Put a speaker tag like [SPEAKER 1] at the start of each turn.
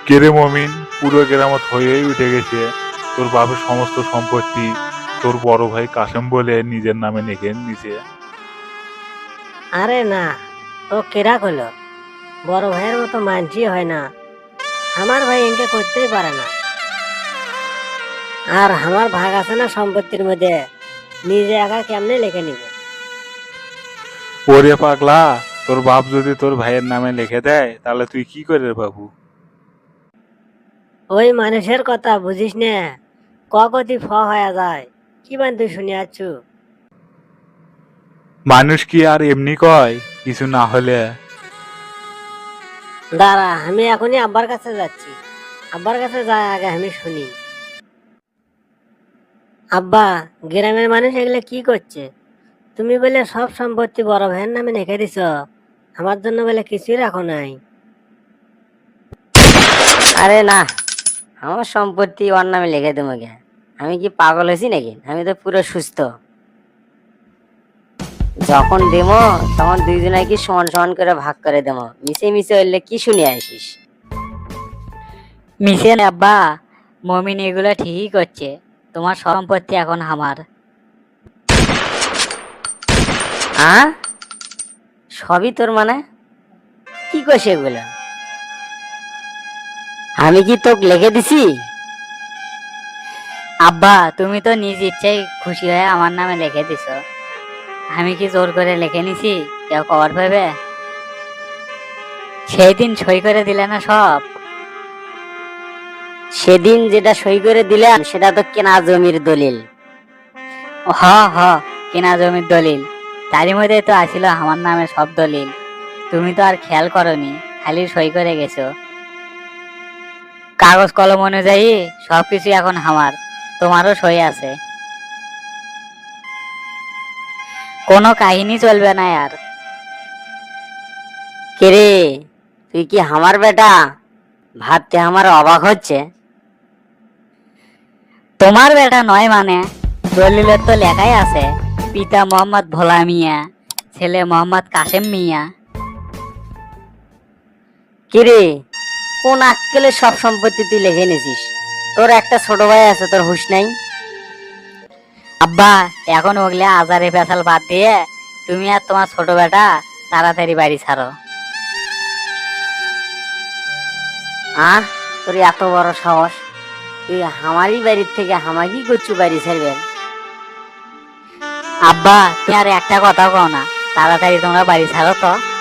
[SPEAKER 1] কেরে মমিন, পুরো কেরামত হয়েই উঠে গেছে। তোর বাপের সমস্ত সম্পত্তি তোর বড় ভাই কাসেম বলে নিজের নামে লিখে নিছে।
[SPEAKER 2] আরে না, ও কেরা হলো? বড় ভাইয়ের মতো মানছি হয় না। আমার ভাই এনকে করতেই পারে না। আর আমার ভাগ আছে না সম্পত্তির মধ্যে, নিজে একা কেমনে লিখে নিবে?
[SPEAKER 1] ওরে পাগলা, তোর বাপ যদি তোর ভাইয়ের নামে লিখে দেয় তাহলে তুই কি করে বাবু?
[SPEAKER 2] ওই মানুষের কথা বুঝিস না, কগতি ফ হয়ে যায়। কি বান তুই শুনে আছু?
[SPEAKER 1] মানুষ কি আর এমনি কয় কিছু না হলে?
[SPEAKER 2] দাঁড়া, আমি এখনই আব্বার কাছে যাচ্ছি। আব্বার কাছে যাই আগে আমি শুনি। আব্বা, গ্রামের মানুষ এগুলো কি করছে? তুমি বলে সব সম্পত্তি বড় ভাইয়ের নামে লিখে দিছ, আমার জন্য বলে কিছুই রাখো নাই।
[SPEAKER 3] আরে না, আমার সম্পত্তি ওর নামে লিখে দেবো কে? আমি কি পাগল হয়েছি নাকি? আমি তো পুরো সুস্থ। যখন দেবো তখন দুইজনে কি সমান সমান করে ভাগ করে দেবো। মিশে মিশে হইলে কি শুনে আসিস?
[SPEAKER 4] মিশে না আব্বা, মমিন এগুলো ঠিকই করছে। তোমার সম্পত্তি এখন আমার।
[SPEAKER 3] সবই তোর মানে? কি করছে এগুলো? আমি কি তোকে লিখে দিছি?
[SPEAKER 4] আব্বা, তুমি তো নিজ ইচ্ছাই খুশি হয়ে আমার নামে লিখে দিছো। আমি কি জোর করে লিখে নিছি কেউ কবার পাবে? সেই দিন সই করে দিলে না সব।
[SPEAKER 3] সেদিন যেটা সই করে দিলাম সেটা তো কেনা জমির দলিল।
[SPEAKER 4] হ হ, কেনা জমির দলিল। তারই মধ্যে তো আসিল আমার নামে সব দলিল। তুমি তো আর খেয়াল করনি, খালি সই করে গেছো। কাগজ কলম অনুযায়ী সবকিছু এখন আমার, তোমারও সই আছে। কোনো কাহিনী চলবে না আর।
[SPEAKER 3] কেরে, তুই কি আমার বেটা? ভাবতে আমার অবাক হচ্ছে।
[SPEAKER 4] তোমার বেটা নয় মানে? দলিলের তো লেখাই আছে, পিতা মোহাম্মদ ভোলা মিয়া, ছেলে মোহাম্মদ কাসেম মিয়া।
[SPEAKER 3] কিরে, কোন আক্কেলে সব সম্পত্তি তুই লিখে নিছিস? তোর একটা ছোট ভাই আছে, তোর হুঁশ নাই?
[SPEAKER 4] আব্বা, এখন ওগুলা আজারে পেছাল বাদ দিয়ে তুমি আর তোমার ছোট বেটা তাড়াতাড়ি বাড়ি ছাড়ো।
[SPEAKER 3] তোর এত বড় সাহস! তুই আমারই বাড়ির থেকে হামাকি করছু বাড়ি ছাড়বেন?
[SPEAKER 4] আব্বা, তুমি আর একটা কথা কও না, তাড়াতাড়ি তোমরা বাড়ি ছাড়ো তো।